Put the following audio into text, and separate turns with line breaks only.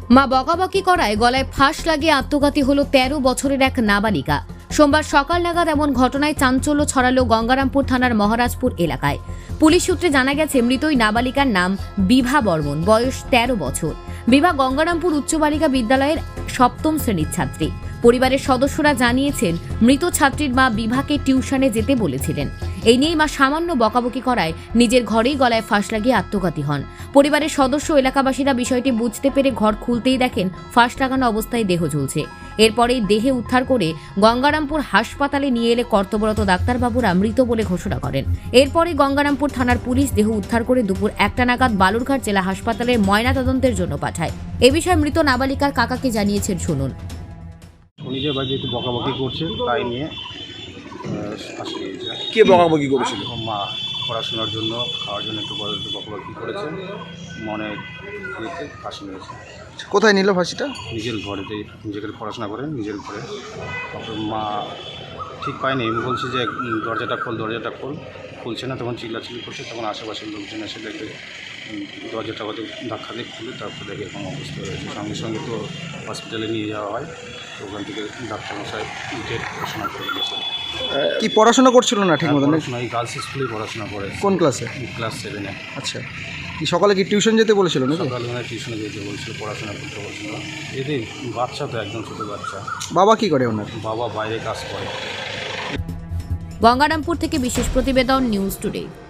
মা বকাবকি করায় গলায় ফাঁস লাগিয়ে আত্মঘাতী হলো ১৩ বছরের এক নাবালিকা। সোমবার সকাল নাগাদ এমন ঘটনায় চাঞ্চল্য ছড়ালো গঙ্গারামপুর থানার মহারাজপুর এলাকায়। পুলিশ সূত্রে জানা গেছে, মৃত ওই নাবালিকার নাম বিভা বর্মন, বয়স ১৩ বছর। বিভা গঙ্গারামপুর উচ্চ বালিকা বিদ্যালয়ের ৭ম শ্রেণীর ছাত্রী। পরিবারের সদস্যরা জানিয়েছেন, মৃত ছাত্রীর মা বিভাকে টিউশনে যেতে বলেছিলেন। এই নিয়েই মা সামান্য বকাবকি করায় নিজের ঘরেই গলায় ফাঁস লাগিয়ে আত্মঘাতী হন। পরিবারের সদস্য এলাকাবাসীরা বিষয়টি বুঝতে পেরে ঘর খুলতেই দেখেন ফাঁস লাগানো অবস্থায় দেহ ঝুলছে। এরপরেই দেহে উদ্ধার করে গঙ্গারামপুর হাসপাতালে নিয়ে এলে কর্তব্যরত ডাক্তারবাবুরা মৃত বলে ঘোষণা করেন। এরপরে গঙ্গারামপুর থানার পুলিশ দেহ উদ্ধার করে দুপুর ১টা নাগাদ বালুরঘাট জেলা হাসপাতালে ময়নাতদন্তের জন্য পাঠায়। এ বিষয়ে মৃত নাবালিকার কাকাকে জানিয়েছেন, শুনুন।
উনি যে বাড়িতে একটু বকাবকি করছে, তাই নিয়ে ফাঁসি দিয়েছে।
কে বকাবকি করেছিল?
মা পড়াশোনার জন্য, খাওয়ার জন্য একটু বকাবকি করেছে, মনে ইয়েতে ফাঁসি নিয়েছে।
কোথায় নিল ফাঁসিটা?
নিজের ঘরেতে, নিজেকে পড়াশোনা করে নিজের ঘরে। তারপর মা ঠিক পায়নি, বলছে যে দরজাটা খোল, খুলছে না। তখন চিল্লাচিল্লি করছে, তখন আশেপাশের লোকজন এসে দেখে দরজাটা হয়তো ধাক্কা দিয়ে খুলে, তারপর দেখে এরকম অবস্থা হয়েছে। সঙ্গে সঙ্গে তো হসপিটালে নিয়ে যাওয়া হয়। তো ওখান থেকে ডাক্তারমশাই ডেট পড়াশোনা করে গেছে।
কি পড়াশোনা করছিল না ঠিক মতো?
পড়াশোনা এই গার্লস স্কুলেই পড়াশোনা করে।
কোন ক্লাসে?
ক্লাস 7-এ।
আচ্ছা, কি সকালে কি টিউশন যেতে বলেছিল নাকি?
সকালবেলা টিউশনে যেতে বলছিল, পড়াশোনা করতে বলছিল। এদের বাচ্চা তো একদম ছোটো বাচ্চা।
বাবা কি করে ওনার?
বাবা বাইরে কাজ করে।
গঙ্গারামপুর থেকে বিশেষ প্রতিবেদন, নিউজ টুডে।